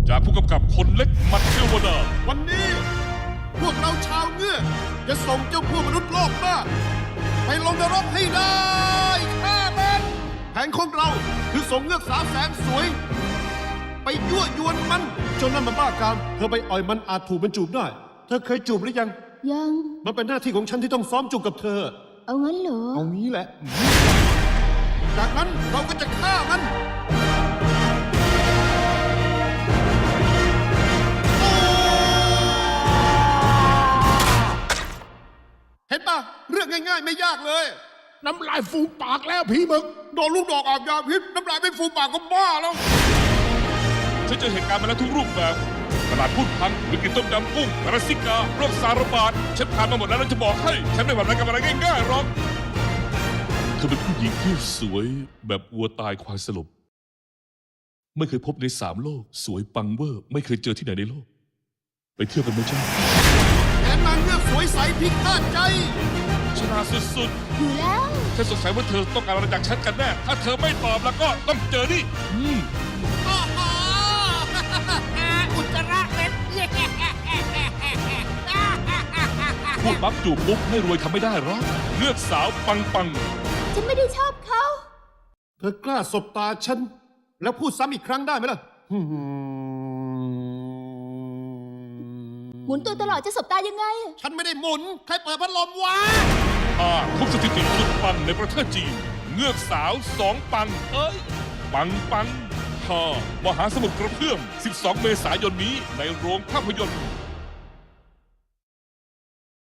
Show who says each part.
Speaker 1: จากผู้กำกับคนเล็กมัดเทวดา
Speaker 2: วันนี้พวกเราชาวเงือกจะส่งเจ้าพวกมนุษย์โลกหน้าไปลงนรกให้ได้ฆ่ามันแผนของเราคือส่งเงือกสาวแสนสวย ไปยั่วยวนมันจนนั่นมันบ้ากามเธอไปอ่อยมันอาจถูกมันจูบได้ เธอเคยจูบหรือยัง
Speaker 3: ยัง
Speaker 2: มันเป็นหน้าที่ของฉันที่ต้องซ้อมจูบกับเธอ
Speaker 3: เอางั้นเหรอ
Speaker 2: เอางี้แหละ จากนั้นเราก็จะฆ่ามันเห็นปะเรื่องง่ายๆไม่ยากเลย
Speaker 4: น้ำลายฟูมปากแล้วผีมึง
Speaker 2: โดนลูกดอกอาบยาพิษน้ำลายไม่ฟูมปากก็บ้าแล้ว
Speaker 1: ฉันเจอเหตุการณ์มาแล้วทุกรูปแบบตลาดพูดพังวิกฤตต้มยำกุ้งรัสซิกาโรคซาระบาดฉันผ่านมาหมดแล้วจะบอกให้ฉันไม่หวั่นอะไรกับอะไรง่ายๆหรอกเธอเป็นผู้หญิงที่สวยแบบวัวตายควายสลบไม่เคยพบใน3 โลกสวยปังเวอร์ไม่เคยเจอที่ไหนในโลกไปเที่ยวกันไหมจ๊ะ
Speaker 2: แถมนางเงือกสวยใสพิฆาตใจ
Speaker 1: ชนะสุด
Speaker 3: อยู่แล้ว
Speaker 1: ๆฉันสงสัยว่าเธอต้องการอะไรจากฉันกันแน่ถ้าเธอไม่ตอบแล้วก็ต้องเจอนี่
Speaker 5: อุจจาระเม็ด
Speaker 1: พูดปั๊บจูบปุ๊บไม่รวยทำไม่ได้หรอกเลือกสาวปังปัง
Speaker 3: ฉันไม่ได้ชอบเขา
Speaker 2: เธอกล้าสบตาฉัน แล้วพูดซ้ำอีกครั้งได้ไหมล่ะ
Speaker 3: หมุนตัวตลอดจะสบตายังไงอะ
Speaker 2: ฉันไม่ได้หมุน ใครเปิดพัดลมวะ
Speaker 1: ทุบสถิติสุดปังในประเทศจีนเงือกสาว2 ปังปังปังมหาสมุทรกระเพื่อม12 เมษายนนี้ในโรงภาพยนตร์